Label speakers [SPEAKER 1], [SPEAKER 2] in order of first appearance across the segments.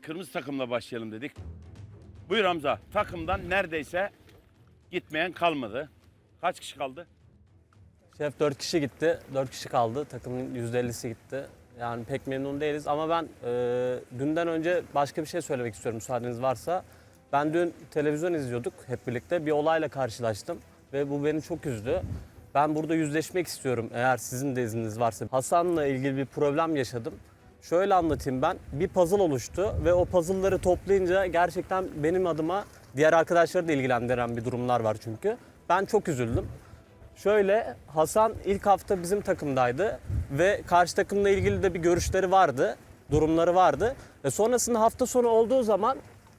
[SPEAKER 1] kırmızı takımla başlayalım dedik. Buyur Hamza. Takımdan neredeyse gitmeyen kalmadı. Kaç kişi kaldı?
[SPEAKER 2] Şef 4 kişi gitti. 4 kişi kaldı. Takımın %50'si gitti. Yani pek memnun değiliz ama ben dünden önce başka bir şey söylemek istiyorum müsaadeniz varsa. Ben dün televizyon izliyorduk hep birlikte. Bir olayla karşılaştım ve bu beni çok üzdü. Ben burada yüzleşmek istiyorum eğer sizin de izniniz varsa. Hasan'la ilgili bir problem yaşadım. Şöyle anlatayım ben. Bir puzzle oluştu ve o puzzle'ları toplayınca gerçekten benim adıma diğer arkadaşları da ilgilendiren bir durumlar var çünkü. Ben çok üzüldüm. Şöyle Hasan ilk hafta bizim takımdaydı ve karşı takımla ilgili de bir görüşleri vardı, durumları vardı. Sonrasında hafta sonu olduğu zaman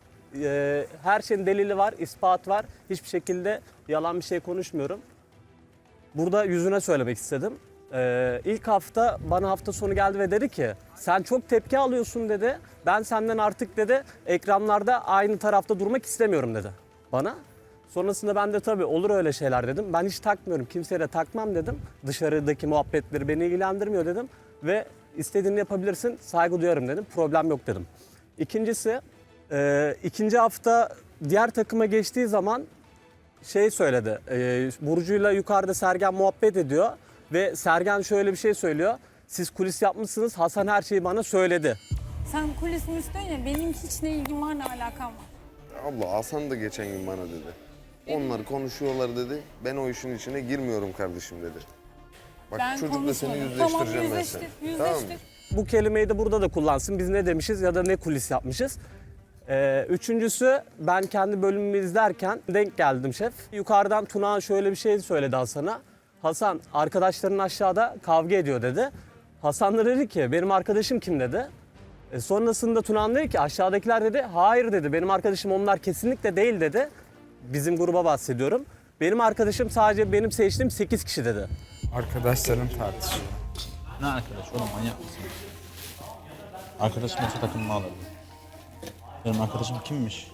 [SPEAKER 2] her şeyin delili var, ispat var. Hiçbir şekilde yalan bir şey konuşmuyorum. Burada yüzüne söylemek istedim. İlk hafta bana hafta sonu geldi ve dedi ki sen çok tepki alıyorsun dedi. Ben senden artık dedi ekranlarda aynı tarafta durmak istemiyorum dedi bana. Sonrasında ben de tabii olur öyle şeyler dedim. Ben hiç takmıyorum, kimseye de takmam dedim. Dışarıdaki muhabbetleri beni ilgilendirmiyor dedim. Ve istediğini yapabilirsin, saygı duyarım dedim. Problem yok dedim. İkincisi, ikinci hafta diğer takıma geçtiği zaman şey söyledi. Burcu'yla yukarıda Sergen muhabbet ediyor. Ve Sergen şöyle bir şey söylüyor. Siz kulis yapmışsınız, Hasan her şeyi bana söyledi.
[SPEAKER 3] Sen kulis müstün ya, benim hiç ne ilgim var ne alakam var.
[SPEAKER 4] Abla Hasan da geçen gün bana dedi. Onlar konuşuyorlar dedi. Ben o işin içine girmiyorum kardeşim dedi. Bak
[SPEAKER 3] Ben
[SPEAKER 4] çocukla seni
[SPEAKER 3] konuşmadım.
[SPEAKER 4] yüzleştireceğim
[SPEAKER 3] Tamam,
[SPEAKER 4] ben seni.
[SPEAKER 3] yüzleştir.
[SPEAKER 4] Tamam mı?
[SPEAKER 2] Bu kelimeyi de burada da kullansın. Biz ne demişiz ya da ne kulis yapmışız. Üçüncüsü ben kendi bölümümü izlerken denk geldim şef. Yukarıdan Tuna şöyle bir şey söyledi Hasan'a. Hasan arkadaşların aşağıda kavga ediyor dedi. Hasan da dedi ki benim arkadaşım kim dedi. Sonrasında Tuna dedi ki aşağıdakiler dedi hayır dedi benim arkadaşım onlar kesinlikle değil dedi. Bizim gruba bahsediyorum. Benim arkadaşım sadece benim seçtiğim 8 kişi dedi.
[SPEAKER 5] Arkadaşlarım tartışıyor.
[SPEAKER 6] Ne arkadaş oğlum manyak mısın? Arkadaşım olsa takımımı alırdı. Benim arkadaşım kimmiş?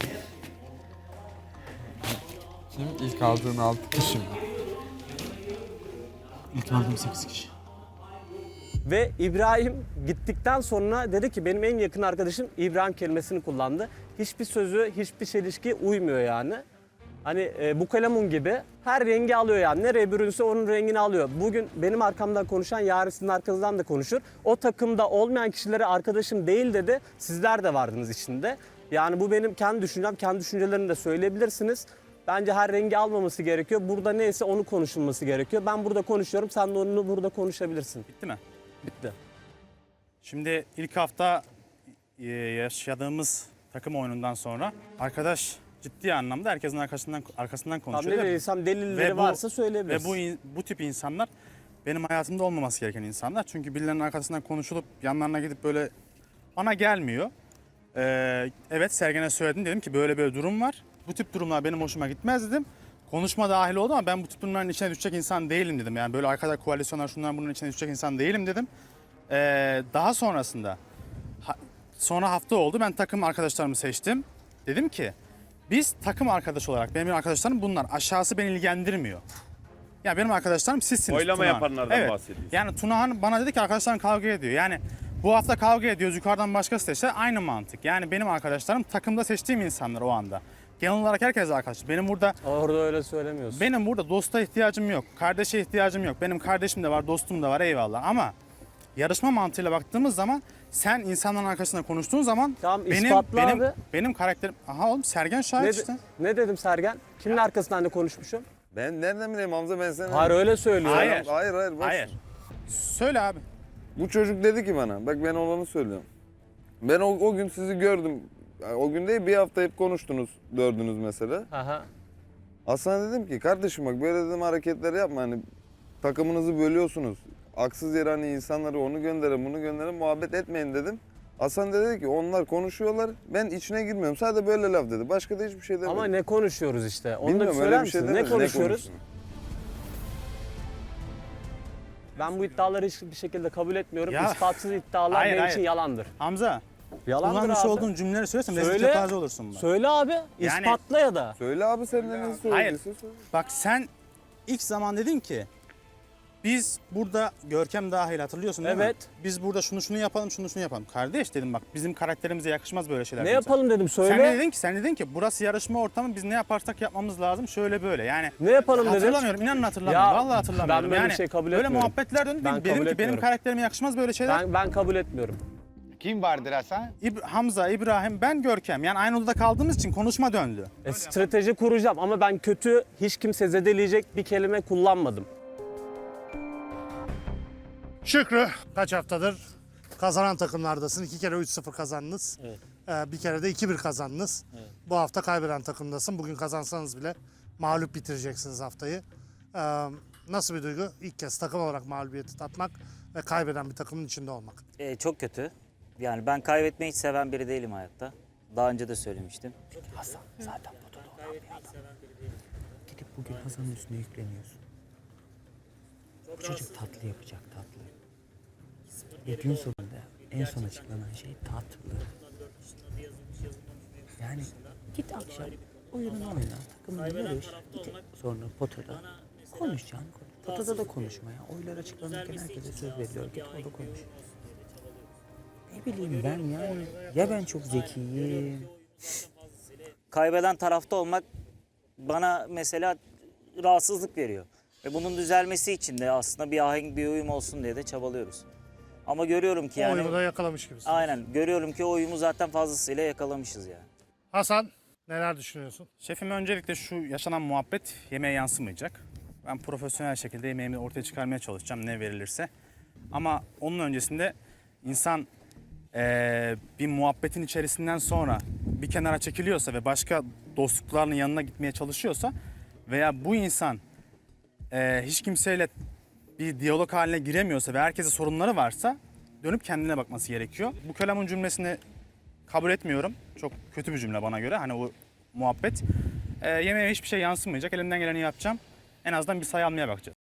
[SPEAKER 5] Kim? İlk aldığın 6 kişi mi?
[SPEAKER 6] İlk aldığım 8 kişi.
[SPEAKER 2] Ve İbrahim gittikten sonra dedi ki benim en yakın arkadaşım İbrahim kelimesini kullandı. Hiçbir sözü, hiçbir çelişki uymuyor yani. Hani bu kalemun gibi her rengi alıyor yani. Nereye bürünse onun rengini alıyor. Bugün benim arkamdan konuşan yarın sizin arkanızdan da konuşur. O takımda olmayan kişilere arkadaşım değil dedi. Sizler de vardınız içinde. Yani bu benim kendi düşüncem. Kendi düşüncelerini de söyleyebilirsiniz. Bence her rengi almaması gerekiyor. Burada neyse onu konuşulması gerekiyor. Ben burada konuşuyorum. Sen de onu burada konuşabilirsin.
[SPEAKER 7] Bitti mi?
[SPEAKER 2] Bitti.
[SPEAKER 7] Şimdi ilk hafta yaşadığımız takım oyunundan sonra arkadaş ciddi anlamda herkesin arkasından
[SPEAKER 2] Tam
[SPEAKER 7] konuşuyor.
[SPEAKER 2] ne dediysem delilleri varsa söyleyebilirsin.
[SPEAKER 7] Ve bu tip insanlar benim hayatımda olmaması gereken insanlar. Çünkü birilerinin arkasından konuşulup yanlarına gidip böyle bana gelmiyor. Evet Sergen'e söyledim dedim ki böyle böyle durum var. Bu tip durumlar benim hoşuma gitmez dedim. Konuşma dahil oldu ama ben bu tip durumların içine düşecek insan değilim dedim. Yani böyle arkada koalisyonlar şunlar bunun içine düşecek insan değilim dedim. Daha sonrasında sonra hafta oldu ben takım arkadaşlarımı seçtim. Dedim ki biz takım arkadaş olarak benim arkadaşlarım bunlar aşağısı beni ilgilendirmiyor. Yani benim arkadaşlarım sizsiniz.
[SPEAKER 1] Oylama
[SPEAKER 7] Tunahan.
[SPEAKER 1] yapanlardan
[SPEAKER 7] Evet.
[SPEAKER 1] bahsediyorsun.
[SPEAKER 7] Yani Tunahan bana dedi ki arkadaşlarım kavga ediyor. Yani bu hafta kavga ediyoruz yukarıdan başkası seçti aynı mantık. Yani benim arkadaşlarım takımda seçtiğim insanlar o anda. Genel olarak herkes arkadaş.
[SPEAKER 2] Orada öyle söylemiyorsun.
[SPEAKER 7] Benim burada dosta ihtiyacım yok. Kardeşe ihtiyacım yok. Benim kardeşim de var, dostum da var eyvallah ama yarışma mantığıyla baktığımız zaman sen insanların arkasında konuştuğun zaman
[SPEAKER 2] Tamam, ispatla abi.
[SPEAKER 7] benim karakterim... Aha oğlum Sergen şahit işte.
[SPEAKER 2] Ne dedim Sergen? Kimin arkasından da konuşmuşum?
[SPEAKER 4] Ben nereden bileyim Hamza ben seni...
[SPEAKER 2] Hayır öyle söylüyor.
[SPEAKER 7] Hayır.
[SPEAKER 4] Hayır. Boş.
[SPEAKER 7] Hayır. Söyle abi.
[SPEAKER 4] Bu çocuk dedi ki bana, bak ben olanı söylüyorum. Ben o gün sizi gördüm. Yani o gün değil bir hafta hep konuştunuz, dördünüz mesela.
[SPEAKER 2] Aha.
[SPEAKER 4] Hasan dedim ki kardeşim bak böyle dedim hareketler yapma hani takımınızı bölüyorsunuz. Haksız yere hani insanları onu gönderin bunu gönderin muhabbet etmeyin dedim. Hasan da dedi ki onlar konuşuyorlar ben içine girmiyorum sadece böyle laf dedi. Başka da hiçbir şey demedi.
[SPEAKER 2] Ama ne konuşuyoruz işte? Onu da
[SPEAKER 4] Bilmiyorum,
[SPEAKER 2] söyler
[SPEAKER 4] öyle bir şey
[SPEAKER 2] misin? Ne
[SPEAKER 4] demedi.
[SPEAKER 2] konuşuyoruz?
[SPEAKER 4] konuştun?
[SPEAKER 2] Ben bu iddiaları hiçbir şekilde kabul etmiyorum.
[SPEAKER 7] Ya.
[SPEAKER 2] İspatsız iddialar
[SPEAKER 7] Hayır,
[SPEAKER 2] benim
[SPEAKER 7] hayır.
[SPEAKER 2] için yalandır.
[SPEAKER 7] Hamza.
[SPEAKER 2] Yalandır
[SPEAKER 7] Kullanmış
[SPEAKER 2] abi.
[SPEAKER 7] olduğun cümleleri söylesem rezil
[SPEAKER 2] Söyle.
[SPEAKER 7] kepaze olursun bak.
[SPEAKER 2] Söyle abi.
[SPEAKER 7] Yani-
[SPEAKER 2] İspatla ya da.
[SPEAKER 4] Söyle abi sen de nasıl
[SPEAKER 7] Hayır.
[SPEAKER 4] söylüyorsun? Söyle.
[SPEAKER 7] Bak sen ilk zaman dedin ki Biz burada Görkem dahil hatırlıyorsun değil mi?
[SPEAKER 2] Evet.
[SPEAKER 7] Biz burada şunu yapalım, şunu yapalım. Kardeş dedim bak bizim karakterimize yakışmaz böyle şeyler.
[SPEAKER 2] Ne
[SPEAKER 7] dedim
[SPEAKER 2] yapalım dedim
[SPEAKER 7] sana.
[SPEAKER 2] söyle.
[SPEAKER 7] Sen dedin ki burası yarışma ortamı, biz ne yaparsak yapmamız lazım şöyle böyle. Yani
[SPEAKER 2] Ne yapalım dedim.
[SPEAKER 7] hatırlamıyorum, inanın hatırlamıyorum.
[SPEAKER 2] Ya,
[SPEAKER 7] Vallahi hatırlamıyorum.
[SPEAKER 2] ben böyle
[SPEAKER 7] yani
[SPEAKER 2] bir şey kabul
[SPEAKER 7] böyle
[SPEAKER 2] etmiyorum.
[SPEAKER 7] muhabbetler döndü.
[SPEAKER 2] Ben
[SPEAKER 7] Dedim
[SPEAKER 2] kabul
[SPEAKER 7] ki benim
[SPEAKER 2] etmiyorum.
[SPEAKER 7] karakterime yakışmaz böyle şeyler.
[SPEAKER 2] Ben kabul etmiyorum.
[SPEAKER 8] Kim vardır Hasan?
[SPEAKER 7] Hamza, İbrahim, ben Görkem. Yani aynı odada kaldığımız için konuşma döndü.
[SPEAKER 2] Strateji kuracağım ama ben kötü, hiç kimse zedeleyecek bir kelime kullanmadım.
[SPEAKER 9] Şükrü kaç haftadır kazanan takımlardasın. 2 kere 3-0 kazandınız.
[SPEAKER 2] Evet.
[SPEAKER 9] Bir kere de 2-1 kazandınız.
[SPEAKER 2] Evet.
[SPEAKER 9] Bu hafta kaybeden takımdasın. Bugün kazansanız bile mağlup bitireceksiniz haftayı. Nasıl bir duygu? İlk kez takım olarak mağlubiyeti tatmak ve kaybeden bir takımın içinde olmak.
[SPEAKER 10] Çok kötü. Yani ben kaybetmeyi hiç seven biri değilim hayatta. Daha önce de söylemiştim.
[SPEAKER 11] Gidip bugün Hasan'ın üstüne yükleniyorsun. Bu çocuk tatlı yapacak, tatlı. Ve gün sonunda en son açıklanan şey tatlı. Yani git akşam oyununu oyna, takımını yarış, git sonra potada konuşacaksın. Potada da konuşma ya. Oylar açıklanırken herkese söz veriliyor. Git orada konuş. Ne bileyim ben yani. Ya ben çok zekiyim.
[SPEAKER 10] Kaybeden tarafta olmak bana mesela rahatsızlık veriyor. Ve bunun düzelmesi için de aslında bir ahenk, bir uyum olsun diye de çabalıyoruz. Ama görüyorum ki
[SPEAKER 9] O oyunu
[SPEAKER 10] yani...
[SPEAKER 9] da yakalamış gibisin.
[SPEAKER 10] Aynen. Görüyorum ki o uyumu zaten fazlasıyla yakalamışız yani.
[SPEAKER 9] Hasan neler düşünüyorsun?
[SPEAKER 7] Şefim öncelikle şu yaşanan muhabbet yemeğe yansımayacak. Ben profesyonel şekilde yemeğimi ortaya çıkarmaya çalışacağım ne verilirse. Ama onun öncesinde insan bir muhabbetin içerisinden sonra bir kenara çekiliyorsa ve başka dostluklarının yanına gitmeye çalışıyorsa veya bu insan hiç kimseyle bir diyalog haline giremiyorsa ve herkese sorunları varsa dönüp kendine bakması gerekiyor. Bu kelamın cümlesini kabul etmiyorum. Çok kötü bir cümle bana göre. Hani o muhabbet. Yemeğe hiçbir şey yansımayacak. Elimden geleni yapacağım. En azından bir sayı almaya bakacağız.